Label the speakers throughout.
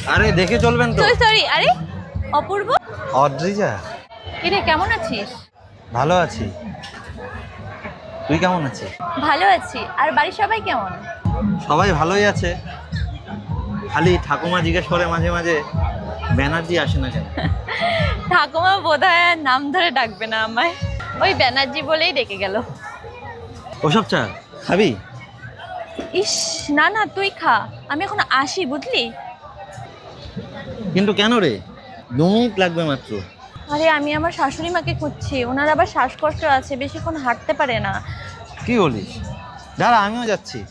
Speaker 1: আরে দেখে চলবেন তো।
Speaker 2: সরি আরে অপূর্ব।
Speaker 1: অদ্রিজা,
Speaker 2: কিরে কেমন আছিস?
Speaker 1: ভালো আছি। তুই কেমন আছিস?
Speaker 2: ভালো আছি। আর বাড়ির সবাই কেমন?
Speaker 1: সবাই ভালোই আছে। খালি ঠাকুমা জিজ্ঞেস করে মাঝে মাঝে ব্যানার্জি আসে না কেন।
Speaker 2: ঠাকুমা বোধহয় আর নাম ধরে ডাকবে না আমায়, ওই ব্যানার্জি বলেই ডেকে গেল।
Speaker 1: ওসব চা খাবি?
Speaker 2: ইস না না তুই খা, আমি এখন আসি বুঝলি।
Speaker 1: কিন্তু কেন রে? 2 মিনিট লাগবে মাত্র।
Speaker 2: আরে আমি আমার শাশুড়ি মাকে খুঁজছি, ওনার আবার শ্বাসকষ্ট আছে, বেশিক্ষণ হাঁটতে পারে না।
Speaker 1: কি বলিস? দাঁড়া আমিও যাচ্ছি।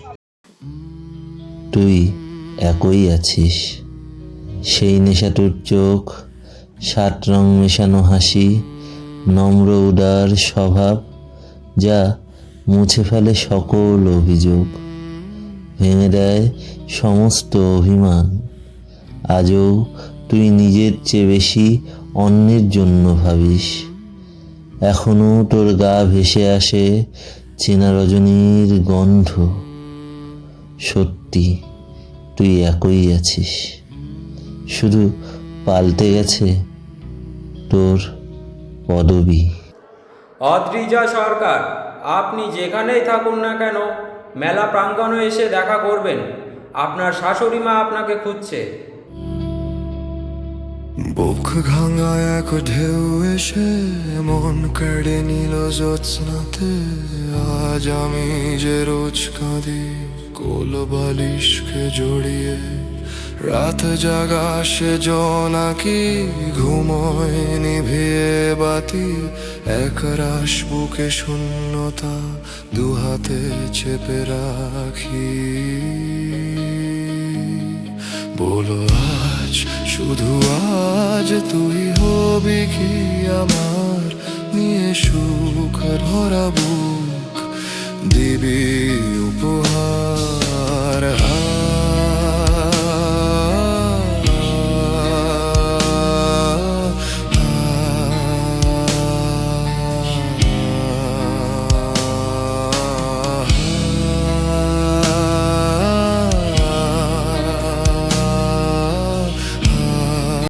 Speaker 3: তুই একই আছিস, সেই নেশাতুর চোখ, 7 রং মেশানো হাসি, নম্র উদার স্বভাব, যা মুছে ফেলে সকল অভিযোগ, ভেঙে দেয় সমস্ত অভিমান। আজও তুই নিজের চেয়ে বেশি অন্যের জন্য ভাবিস। এখনো তোর গা ভেসে আসে চেনা রজনীর গন্ধ। সত্যি তুই একই আছিস, শুধু পাল্টে গেছে তোর পদবী।
Speaker 4: অদ্রিজা সরকার, আপনি যেখানেই থাকুন না কেন মেলা প্রাঙ্গণে এসে দেখা করবেন। আপনার শাশুড়ি মা আপনাকে খুঁজছে।
Speaker 5: বুক ভাঙা এক ঢেউ এসে মন কেড়ে নিল জ্যোৎস্নাতে। আজ আমি যে রোজ কাঁদি কোল বালিশকে জড়িয়ে, রাত জাগা সে জোনাকি ঘুমোয় নিভিয়ে বাতি। এক রাশ বুকে শূন্যতা দুহাতে চেপে রাখি। বলো আজ, শুধু আজ তুই হবি কি আমার, নিয়ে সুখ ভরা বুক দিবি উপহার।